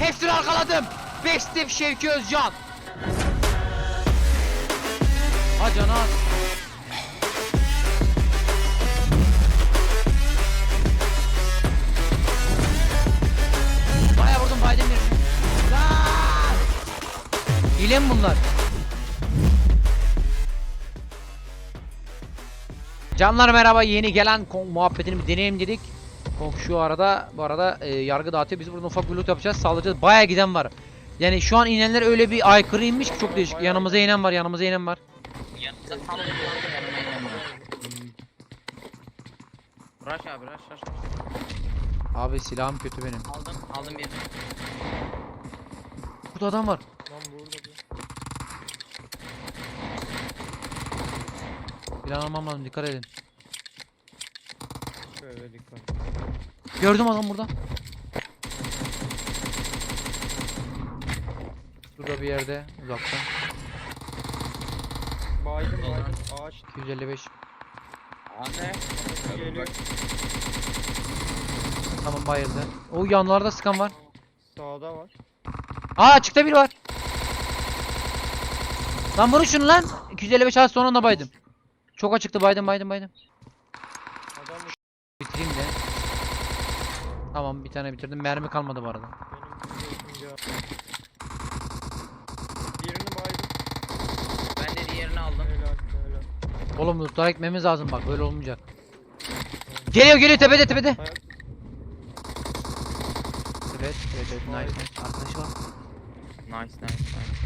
Hepsini arkaladım. Bestif Şevki Özcan. Ha canı az. Baya vurdum Biden birini. Lan! Hile mi bunlar? Canlar merhaba, yeni gelen muhabbetini bir deneyelim dedik. Kong şu arada bu arada yargı dağıtıyor. Biz burada ufak bir loot yapacağız, sağlayacağız. Bayağı giden var. Yani şu an inenler öyle bir aykırı inmiş ki çok değişik. Yanımıza inen var, yanımıza inen var. Yanımda tam yanıma inemiyor. Rush abi rush. Abi silahım kötü benim. Aldım birini. Burada adam var. Lan burada bir. Plan almam lazım, dikkat edin. Şöyle dikkat. Gördüm adam burada. Burada bir yerde uzakta. Baydım ağaç 255. Anne. geliyor. Tamam, bayıldı. O yanlarda sıkan var. Sağda var. Aa, açıkta biri var. Lan vurun şunu lan. 255 az sonra da baydım. Çok açıktı, baydım. Adam Bitireyim de. Tamam, bir tane bitirdim. Mermi kalmadı bu arada. benim birini baydım. Ben de diğerini aldım. Helal. Oğlum lootlara gitmemiz lazım, bak böyle olmayacak. Geliyor tepede. Evet, nice. Arkadaşı var. Nice.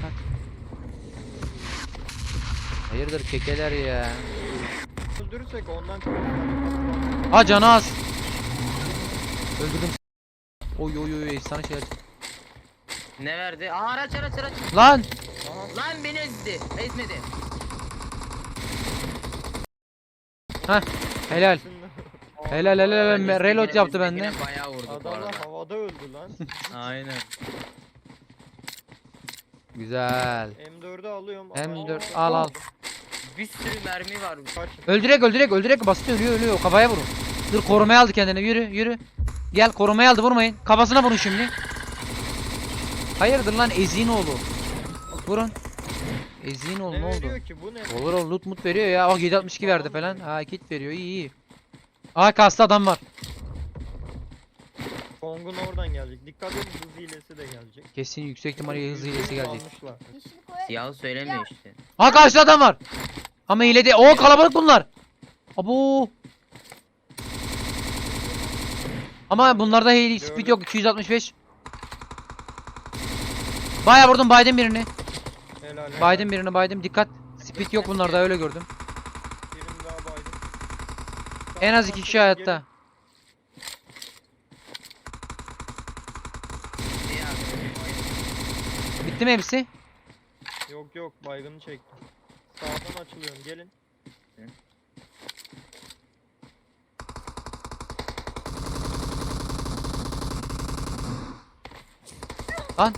Hayırdır kekeler ya. Öldürürsek ondan çok. Ha canı az. Öldürdüm. Oy efsane şeyler. Ne verdi? Aa araç. Lan! Lan beni ezdi. Ezmedi. Heh, helal. Helal. Reload yaptı bende. Yine bayağı vurdu bu Adamlar arada. havada öldü lan. Aynen. Güzel. M4'ü alıyorum. M4 Aa, al. Bir sürü mermi var. Kaç. Öldürek basit ölüyor. Kafaya vurun. Dur, korumaya aldı kendini. Yürü. Gel, korumaya aldı, vurmayın. Kafasına vurun şimdi. Hayırdır lan eziğin oğlu. Vurun. Eziğin oğlu ne oldu? veriyor ki bu ne? Olur loot mut veriyor ya. Bak 762 verdi falan. Ha, kit veriyor, iyi. Aa, kastı adam var. Kong'un oradan gelecek. Dikkat edin, hız hilesi de gelecek. Kesin yüksek ihtimalle hız hilesi gelecek. Almışlar. Siyahı söylemiyor işte. Ha, karşıda adam var. Ama hile değil. Oo, kalabalık bunlar. Abo. Ama bunlarda hile speed yok. 265. Bayağı vurdum, baydım birini. Helal. Baydım. Dikkat. Speed yok bunlarda, öyle gördüm. Birini daha baydım. En az 2 kişi hayatta. Bitti mi hepsi? Yok baygını çektim. Sağdan açılıyorum, gelin. Lan.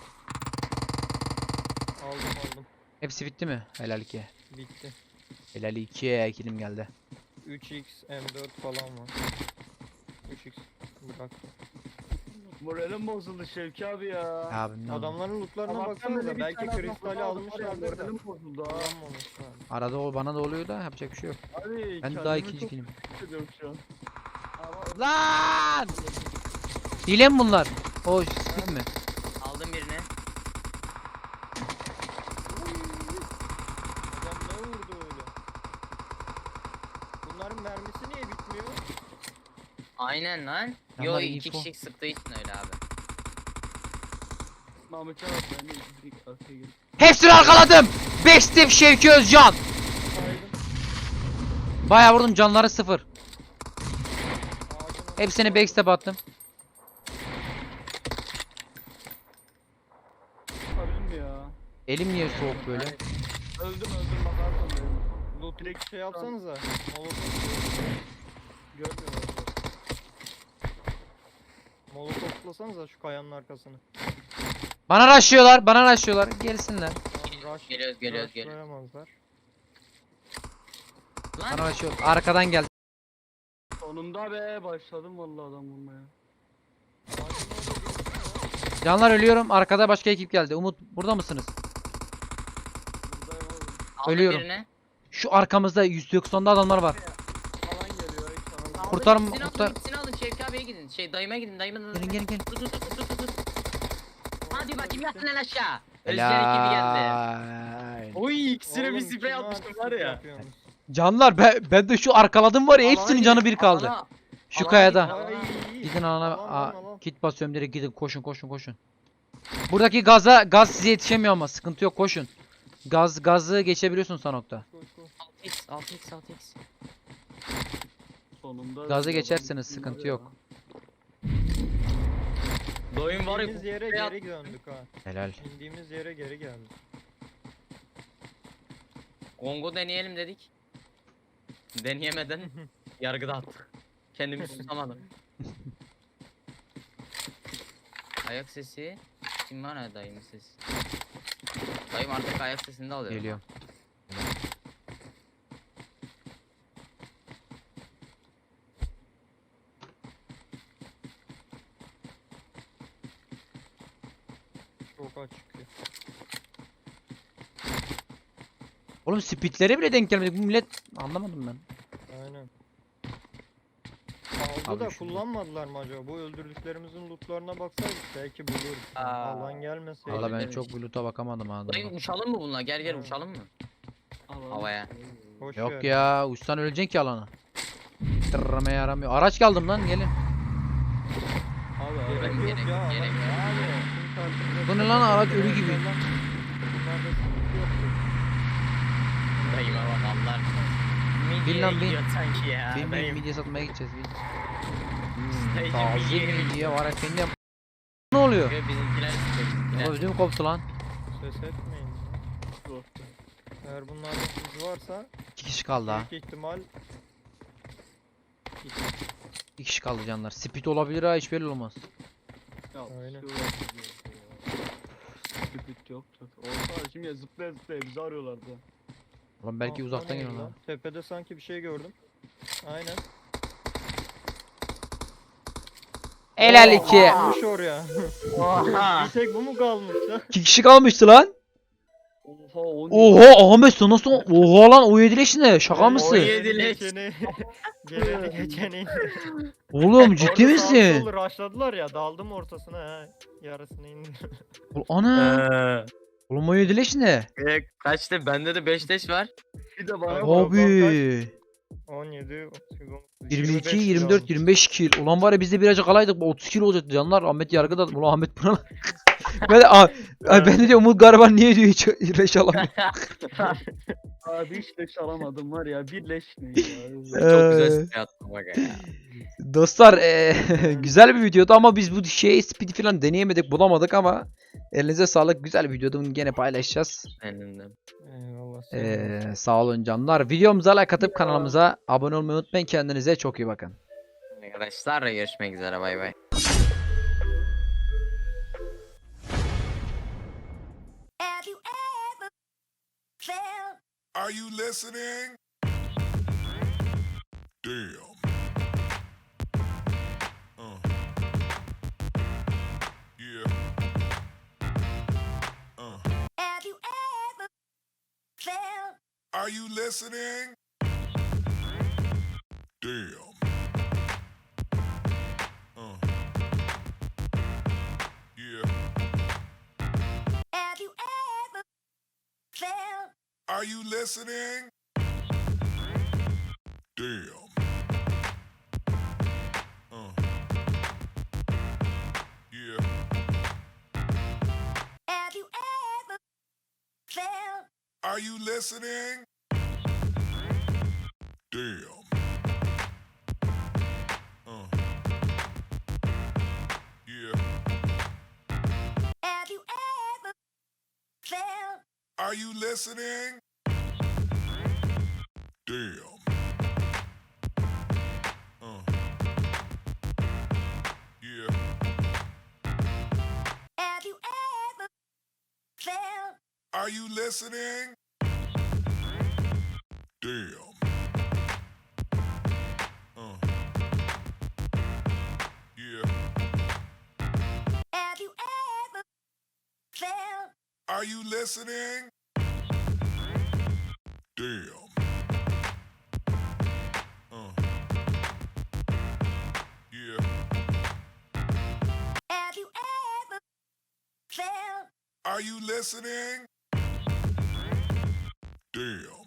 Aldım. Hepsi bitti mi? Helal 2. Bitti. Helal 2. Kilim geldi. 3x M4 falan var. 3x bırak. Moralim bozuldu Şevki abi ya. Abi ne oldu? Adamların lootlarına Sabahtan baksanıza, beri bir belki tane adam kristali aldım, almışlardır da. moralim bozuldu ha. Almamışlar. Arada o bana da oluyor da yapacak bir şey yok. Abi Ben daha kendimi ikinci çok kilim. hissediyorum şu an. Ama Lan! Hile mi bunlar? O speed mi? Aldım birini. Adam ne vurdu öyle? Bunların mermisi niye bitmiyor? Aynen lan. Yanlar Yo iyi 2 info. kişi sıktığı için öyle abi. Mahmut Çağat ben de ilk arkaya girdim. Hepsini arkaladım. Bestif Şevki Özcan. Baydım. Bayağı vurdum, canları 0. Ağacın Hepsini backstep attım. Çıkabilir mi ya? Elim niye soğuk böyle? Öldüm bakarsın benim. loot direkt şey yapsanıza. Görmüyorum. Molotoflasanıza şu kayanın arkasını. Bana rushlıyorlar. Gelsinler. Tamam, rush, Geliyoruz. rushlayamazlar. Lan Bana rushlıyor. Arkadan geldi. Sonunda be başladım vallahi adam vurmaya. Ağacın orada birisi var. Canlar ölüyorum. Arkada başka ekip geldi. Umut burada mısınız? Buradayım oğlum. Aldım Ölüyorum. birini. Şu arkamızda 190'da adamlar var. Alan geliyor. Hiç alan Aldım, Kurtarma- ikisini kurtar- alın, ikisini alın. Şevki abiye gidin. Dayıma gidin. Dayıma. Gelin. Tut. Hadi bakayım yatın lan aşağı. Özcan ekibi geldi. Helal. Oy ikisine bir Oğlum, sprey kime atmıştım var artistlik ya. yapıyorsunuz? Canlar ben de şu arkaladım var ya hepsinin canı bir kaldı. Şu alana kayada. git, Ay, Gidin alana. alan. Kit basıyorum direkt gidin koşun. Buradaki gaz size yetişemiyor ama sıkıntı yok koşun. Gazı geçebiliyorsun Sanok'ta. Koş, koş. 6x. Sonunda. Gazı geçerseniz sıkıntı yok. Doyum var ya. İndiğimiz yere kupaya geri döndük ha. Helal. İndiğimiz yere geri geldik. Kongo deneyelim dedik. Deneyemeden yargıda attık. Kendimi tutamadım. Ayak sesi. Kim var ya dayımın sesi? Dayım artık ayak sesini de alıyor. Geliyorum. Çok açık. Oğlum speedlere bile denk gelmedik. Bu millet anlamadım ben. Aynen. Aldı Abi da şunu- kullanmadılar mı acaba? Bu öldürdüklerimizin lootlarına baksaydık belki buluruz. Aa. Alan gelmeseydi. Valla ben demiş. çok loot'a bakamadım ha. Dayım uçalım mı bununla? Gel Ha. uçalım mı? Alan. Havaya. Boş Yok ver. ya uçsan öleceksin ki alana. Tırrama yaramıyor. Araç kaldım lan gelin. Abi Gerek Ben yok gerek- ya. gerek yok. Bu ne lan, araç ölü gibi. Bunlarda sıkıntı yoktu. Dayıma bak Allah. Bin lan, bin. gidiyor sanki ya. Bin dayım. midye satmaya gideceğiz. Dayıcım, Taze midye yemiş. midye var efendim. Ne oluyor? Ve bizimkiler istiyor, bizimkiler. Ödüm koptu lan. Ses etmeyin. ya. Eğer bunlarda hız varsa 2 kişi kaldı ha. büyük ihtimal 2 kişi kaldı canlar. Speed olabilir ha hiç belli olmaz. Aynen. Küpük yok. Olsa şimdi zıplaya bizi arıyorlardı. Ulan belki Aa, uzaktan o neydi geliyorlar. lan? Tepede sanki bir şey gördüm. Aynen. Helal Oo, 2. kalmış oraya. Oha. Bir tek bu mu kalmış lan? 2 kişi kalmıştı lan. Oha 10. Oha Ahmet sen nasıl? Oha lan o 7 leş ne? Şaka mısın? yedi leş. Geleni geçeni. Oğlum ciddi misin? Rushladılar ya daldım ortasına ha. Yarısını indim. Ana. Oğlum o 7 leş ne? Kaçtı? Bende de 5 leş var. Bir de bana Abi. bak. Abi. 17, 38, 22, 24, 25 kill. Ulan var ya biz de birazcık alaydık. 30 kill olacaktı canlar. Ahmet yargıda. Ulan Ahmet buna. ben de, ben de diyor Umut Gariban niye diyor hiç leş alamıyor. Abi hiç leş alamadım var ya. Bir leş ne ya. Çok güzel sprey attım bak ya. Dostlar güzel bir videodu ama biz bu speed falan deneyemedik bulamadık ama elinize sağlık, güzel bir videodu, bunu gene paylaşacağız. Benim de. Eyvallah. Sağ olun canlar, videomuza like atıp kanalımıza abone olmayı unutmayın, kendinize çok iyi bakın. Arkadaşlar görüşmek üzere, bay bay. Have you ever felt Are you listening? Damn. Yeah. have you ever felt Are you listening? Damn. Yeah. have you ever felt Are you listening? Damn. Yeah. have you ever felt Are you listening? Damn. Yeah. have you ever felt Are you listening? Damn. Yeah. have you ever felt Are you listening? Damn. Yeah. have you ever Are you listening? Damn. Yeah. Have you ever felt Are you listening? Damn.